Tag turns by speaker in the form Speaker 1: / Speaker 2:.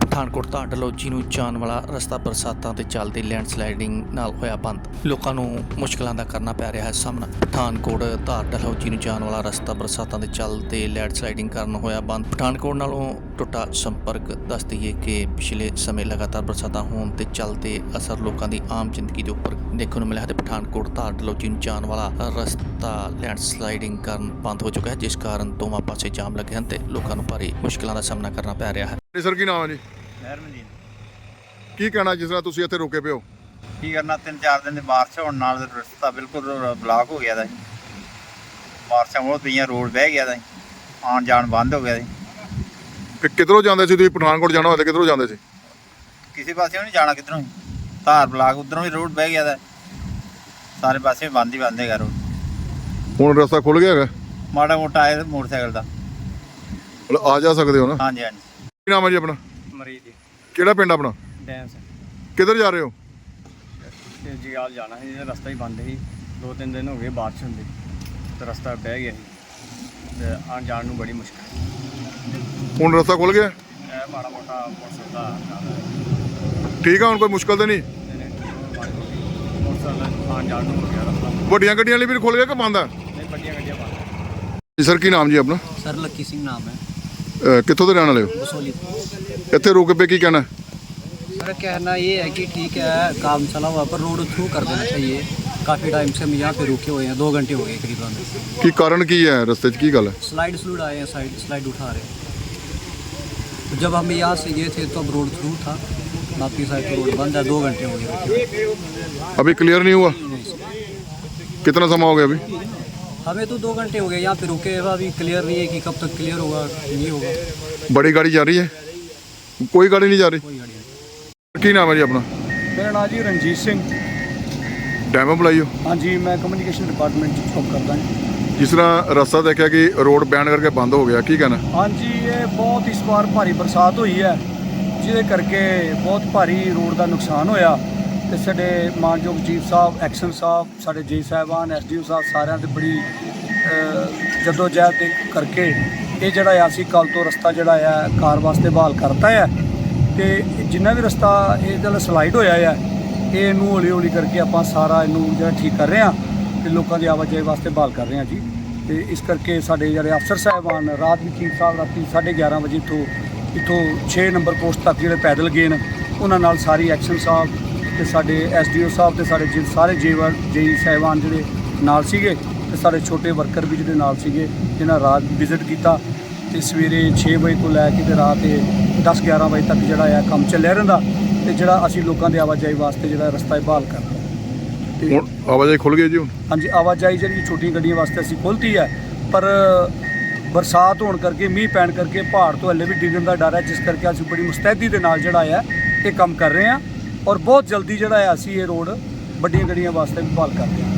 Speaker 1: ਪਠਾਨਕੋਟ ਤੋਂ ਡਲਹੌਜੀ ਨੂੰ ਜਾਣ ਵਾਲਾ ਰਸਤਾ ਬਰਸਾਤਾਂ ਦੇ ਚੱਲਦੇ ਲੈਂਡਸਲਾਈਡਿੰਗ ਨਾਲ ਹੋਇਆ ਬੰਦ। ਲੋਕਾਂ ਨੂੰ ਮੁਸ਼ਕਲਾਂ ਦਾ ਕਰਨਾ ਪੈ ਰਿਹਾ ਹੈ ਸਾਹਮਣਾ। ਪਠਾਨਕੋਟ ਤੋਂ ਡਲਹੌਜੀ ਨੂੰ ਜਾਣ ਵਾਲਾ ਰਸਤਾ ਬਰਸਾਤਾਂ ਦੇ ਚੱਲਦੇ ਲੈਂਡਸਲਾਈਡਿੰਗ ਕਾਰਨ ਹੋਇਆ ਬੰਦ। ਪਠਾਨਕੋਟ ਨਾਲੋਂ ਟੁੱਟਾ ਸੰਪਰਕ। ਦੱਸ ਦਈਏ ਕਿ ਪਿਛਲੇ ਸਮੇਂ ਲਗਾਤਾਰ ਬਰਸਾਤਾਂ ਹੋਣ ਦੇ ਚੱਲਦੇ ਅਸਰ ਲੋਕਾਂ ਦੀ ਆਮ ਜ਼ਿੰਦਗੀ ਦੇ ਉੱਪਰ ਦੇਖਣ ਨੂੰ ਮਿਲਿਆ ਤੇ ਪਠਾਨਕੋਟ ਤੋਂ ਡਲਹੌਜੀ ਨੂੰ ਜਾਣ ਵਾਲਾ ਰਸਤਾ ਲੈਂਡਸਲਾਈਡਿੰਗ ਕਾਰਨ ਬੰਦ ਹੋ ਚੁੱਕਾ ਹੈ, ਜਿਸ ਕਾਰਨ ਦੋਵਾਂ ਪਾਸੇ ਜਾਮ ਲੱਗੇ ਹਨ ਤੇ ਲੋਕਾਂ ਨੂੰ ਭਾਰੀ ਮੁਸ਼ਕਲਾਂ ਦਾ ਸਾਹਮਣਾ ਕਰਨਾ ਪੈ ਰਿਹਾ ਹੈ।
Speaker 2: ਸਰ ਕੀ ਨਾਮ ਹੈ ਜੀ?
Speaker 3: ਮਹਿਰਮਦੀਨ।
Speaker 2: ਕੀ ਕਹਿਣਾ ਜਿਸ ਤਰ੍ਹਾਂ ਤੁਸੀਂ ਇੱਥੇ ਰੁਕੇ ਪਏ ਹੋ?
Speaker 3: ਕੀ ਕਰਨਾ, 3-4 ਦਿਨ ਦੀ ਬਾਰਿਸ਼ ਹੋਣ ਨਾਲ ਰਸਤਾ ਬਿਲਕੁਲ ਬਲਾਕ ਹੋ ਗਿਆ ਦਾ। ਬਾਰਿਸ਼ਾਂ ਬਹੁਤ ਪਈਆਂ, ਰੋਡ ਬਹਿ ਗਿਆ ਦਾ, ਆਉਣ ਜਾਣ ਬੰਦ ਹੋ ਗਿਆ ਸੀ।
Speaker 2: ਕਿ ਕਿੱਧਰੋਂ ਜਾਂਦੇ ਸੀ ਤੁਸੀਂ? ਪਠਾਨਕੋਟ ਜਾਣਾ ਹੋਇਆ ਤਾਂ ਕਿੱਧਰੋਂ ਜਾਂਦੇ ਸੀ?
Speaker 3: ਕਿਸੇ ਪਾਸੇ ਨਹੀਂ ਜਾਣਾ, ਕਿੱਧਰੋਂ ਹੀ ਧਾਰ ਬਲਾਕ ਉਧਰੋਂ ਵੀ ਰੋਡ ਬਹਿ ਗਿਆ ਦਾ। ਸਾਰੇ ਪਾਸੇ ਬੰਦ ਹੀ ਬੰਦ ਹੈਗਾ ਰੋਡ।
Speaker 2: ਹੁਣ ਰਸਤਾ ਖੁੱਲ ਗਿਆ ਹੈਗਾ?
Speaker 3: ਮਾੜਾ ਮੋਟਾ ਆਏ ਮੋਟਰਸਾਈਕਲ ਦਾ
Speaker 2: ਮਤਲਬ ਆ ਜਾ ਸਕਦੇ ਹੋ ਨਾ?
Speaker 3: ਹਾਂਜੀ ਹਾਂਜੀ।
Speaker 2: ਕੀ ਨਾਮ ਹੈ ਜੀ ਆਪਣਾ?
Speaker 4: ਮਰੀਜ਼ ਜੀ
Speaker 2: ਕਿਹੜਾ ਪਿੰਡ ਆਪਣਾ?
Speaker 4: ਡੈਂਸ
Speaker 2: ਕਿੱਧਰ ਜਾ ਰਹੇ ਹੋ?
Speaker 4: ਤੇ ਜਗਾਲ ਜਾਣਾ ਸੀ, ਰਸਤਾ ਹੀ ਬੰਦ ਸੀ। 2-3 ਦਿਨ ਹੋ ਗਏ ਬਾਰਿਸ਼ ਹੁੰਦੀ ਤੇ ਰਸਤਾ ਬਹਿ ਗਿਆ ਸੀ ਤੇ ਆਉਣ ਜਾਣ ਨੂੰ ਬੜੀ ਮੁਸ਼ਕਲ।
Speaker 2: ਹੁਣ ਰਸਤਾ ਖੁੱਲ ਗਿਆ?
Speaker 4: ਇਹ ਮਾੜਾ ਮੋਟਾ ਮੋਟਰਸਾਈਕਲ ਦਾ
Speaker 2: ਠੀਕ ਆ, ਹੁਣ ਕੋਈ ਮੁਸ਼ਕਲ ਤਾਂ ਨਹੀਂ?
Speaker 4: ਮੋਟਰਸਾਈਕਲ ਆਉਣ ਜਾਣ ਨੂੰ ਹੋ ਗਿਆ ਰਸਤਾ।
Speaker 2: ਵੱਡੀਆਂ ਗੱਡੀਆਂ ਲਈ ਵੀ ਖੁੱਲ ਗਿਆ ਕਿ ਬੰਦ ਹੈ?
Speaker 4: ਨਹੀਂ, ਵੱਡੀਆਂ ਗੱਡੀਆਂ ਬੰਦ।
Speaker 2: ਜੀ ਸਰ ਕੀ ਨਾਮ ਜੀ ਆਪਣਾ?
Speaker 5: सर लक्की सिंह नाम है,
Speaker 2: ਕਿੱਥੋਂ ਦੇ ਰਹਿਣ ਵਾਲੇ ਹੋ?
Speaker 5: बसोली।
Speaker 2: ਇੱਥੇ ਰੁਕ ਪਏ, ਕੀ ਕਹਿਣਾ?
Speaker 5: सर कहना ये है कि ठीक है, काम चला हुआ पर रोड थ्रू कर देना चाहिए। काफ़ी टाइम से हम यहाँ पे रुके हुए हैं, 2 घंटे हो गए करीबन।
Speaker 2: ਕੀ ਕਾਰਨ ਕੀ ਹੈ ਰਸਤੇ 'ਚ, ਕੀ ਗੱਲ ਹੈ?
Speaker 5: स्लाइड स्लूड आए हैं, स्लाइड उठा रहे हैं। जब हम यहाँ से गए थे तो अब रोड थ्रू था, बाकी साइड तो रोड बंद है। 2 घंटे हो गए
Speaker 2: अभी क्लियर नहीं हुआ? कितना समय हो गया अभी?
Speaker 5: हमें तो 2 घंटे हो गए यहाँ पे रुके हुए, अभी क्लियर नहीं है कि कब तक क्लियर होगा नहीं होगा।
Speaker 2: बड़ी गाड़ी जा रही है? कोई गाड़ी नहीं जा रही?
Speaker 5: कोई गाड़ी नहीं।
Speaker 2: ਕੀ ਨਾਮ ਹੈ ਜੀ ਆਪਣਾ?
Speaker 6: ਮੇਰਾ ਨਾਮ ਜੀ ਰਣਜੀਤ ਸਿੰਘ।
Speaker 2: ਡੈਮੋ ਬੁਲਾਈ ਹੋ?
Speaker 6: ਹਾਂਜੀ, ਮੈਂ ਕਮਿਊਨੀਕੇਸ਼ਨ ਡਿਪਾਰਟਮੈਂਟ 'ਚ ਕੰਮ ਕਰਦਾ ਹਾਂ।
Speaker 2: ਜਿਸ ਤਰ੍ਹਾਂ ਰਸਤਾ ਦੇਖਿਆ ਕਿ ਰੋਡ ਬੈਨ ਕਰਕੇ ਬੰਦ ਹੋ ਗਿਆ, ਕੀ ਕਹਿਣਾ?
Speaker 6: ਹਾਂਜੀ, ਇਹ ਬਹੁਤ ਇਸ ਵਾਰ ਭਾਰੀ ਬਰਸਾਤ ਹੋਈ ਹੈ, ਜਿਹਦੇ ਕਰਕੇ ਬਹੁਤ ਭਾਰੀ ਰੋਡ ਦਾ ਨੁਕਸਾਨ ਹੋਇਆ ਤੇ ਸਾਡੇ ਮਾਨਯੋਗ ਚੀਫ ਸਾਹਿਬ, ਐਕਸ਼ਨ ਸਾਹਿਬ, ਸਾਡੇ ਜੀ ਸਾਹਿਬਾਨ, ਐਸਡੀਓ ਸਾਹਿਬ, ਸਾਰਿਆਂ ਦੇ ਬੜੀ ਜਦੋਜਹਿਦ ਦੇ ਕਰਕੇ ਇਹ ਜਿਹੜਾ ਆ ਅਸੀਂ ਕੱਲ੍ਹ ਤੋਂ ਰਸਤਾ ਜਿਹੜਾ ਆ ਕਾਰ ਵਾਸਤੇ ਬਹਾਲ ਕਰਤਾ ਹੈ ਤੇ ਜਿੰਨਾ ਵੀ ਰਸਤਾ ਇਹ ਜਿਹੜਾ ਸਲਾਈਡ ਹੋਇਆ ਆ ਇਹਨੂੰ ਹੌਲੀ ਹੌਲੀ ਕਰਕੇ ਆਪਾਂ ਸਾਰਾ ਇਹਨੂੰ ਜਿਹੜਾ ਠੀਕ ਕਰ ਰਹੇ ਹਾਂ ਤੇ ਲੋਕਾਂ ਦੀ ਆਵਾਜਾਈ ਵਾਸਤੇ ਬਹਾਲ ਕਰ ਰਹੇ ਹਾਂ ਜੀ। ਤੇ ਇਸ ਕਰਕੇ ਸਾਡੇ ਜਿਹੜੇ ਅਫਸਰ ਸਾਹਿਬਾਨ ਰਾਤ ਵੀ ਚੀਫ ਸਾਹਿਬ ਰਾਤੀ 11:30 ਵਜੇ ਇੱਥੋਂ 6 ਨੰਬਰ ਪੋਸਟ ਤੱਕ ਜਿਹੜੇ ਪੈਦਲ ਗਏ ਨੇ, ਉਹਨਾਂ ਨਾਲ ਸਾਰੀ ਐਕਸ਼ਨ ਸਾਹਿਬ ਤੇ ਸਾਡੇ ਐਸਡੀਓ ਸਾਹਿਬ ਤੇ ਸਾਡੇ ਸਾਰੇ ਜੇਈ ਸਾਹਿਬਾਨ ਜਿਹੜੇ ਨਾਲ ਸੀਗੇ ਤੇ ਸਾਡੇ ਛੋਟੇ ਵਰਕਰ ਵੀ ਜਿਹੜੇ ਨਾਲ ਸੀਗੇ, ਜਿਨ੍ਹਾਂ ਰਾਤ ਵਿਜ਼ਿਟ ਕੀਤਾ ਤੇ ਸਵੇਰੇ 6 ਵਜੇ ਤੋਂ ਲੈ ਕੇ ਤੇ ਰਾਤ 10-11 ਵਜੇ ਤੱਕ ਜਿਹੜਾ ਆ ਕੰਮ ਚੱਲਿਆ ਰਹਿੰਦਾ ਤੇ ਜਿਹੜਾ ਅਸੀਂ ਲੋਕਾਂ ਦੇ ਆਵਾਜਾਈ ਵਾਸਤੇ ਜਿਹੜਾ ਰਸਤਾ ਬਹਾਲ ਕਰਦਾ। ਤੇ
Speaker 2: ਹੁਣ ਆਵਾਜਾਈ ਖੁੱਲ ਗਈ ਜੀ ਹੁਣ?
Speaker 6: ਹਾਂਜੀ, ਆਵਾਜਾਈ ਜਿਹੜੀ ਛੋਟੀਆਂ ਗੱਡੀਆਂ ਵਾਸਤੇ ਅਸੀਂ ਖੋਲ੍ਹਤੀ ਹੈ, ਪਰ ਬਰਸਾਤ ਹੋਣ ਕਰਕੇ, ਮੀਂਹ ਪੈਣ ਕਰਕੇ ਪਹਾੜ ਤੋਂ ਹਲੇ ਵੀ ਡਿੱਗਣ ਦਾ ਡਰ ਹੈ, ਜਿਸ ਕਰਕੇ ਅਸੀਂ ਬੜੀ ਮੁਸਤੈਦੀ ਦੇ ਨਾਲ ਜਿਹੜਾ ਆ ਇਹ ਕੰਮ ਕਰ ਰਹੇ ਹਾਂ ਔਰ ਬਹੁਤ ਜਲਦੀ ਜਿਹੜਾ ਹੈ ਅਸੀਂ ਇਹ ਰੋਡ ਵੱਡੀਆਂ ਗੱਡੀਆਂ ਵਾਸਤੇ ਵੀ ਬਹਾਲ ਕਰਦੇ ਹਾਂ।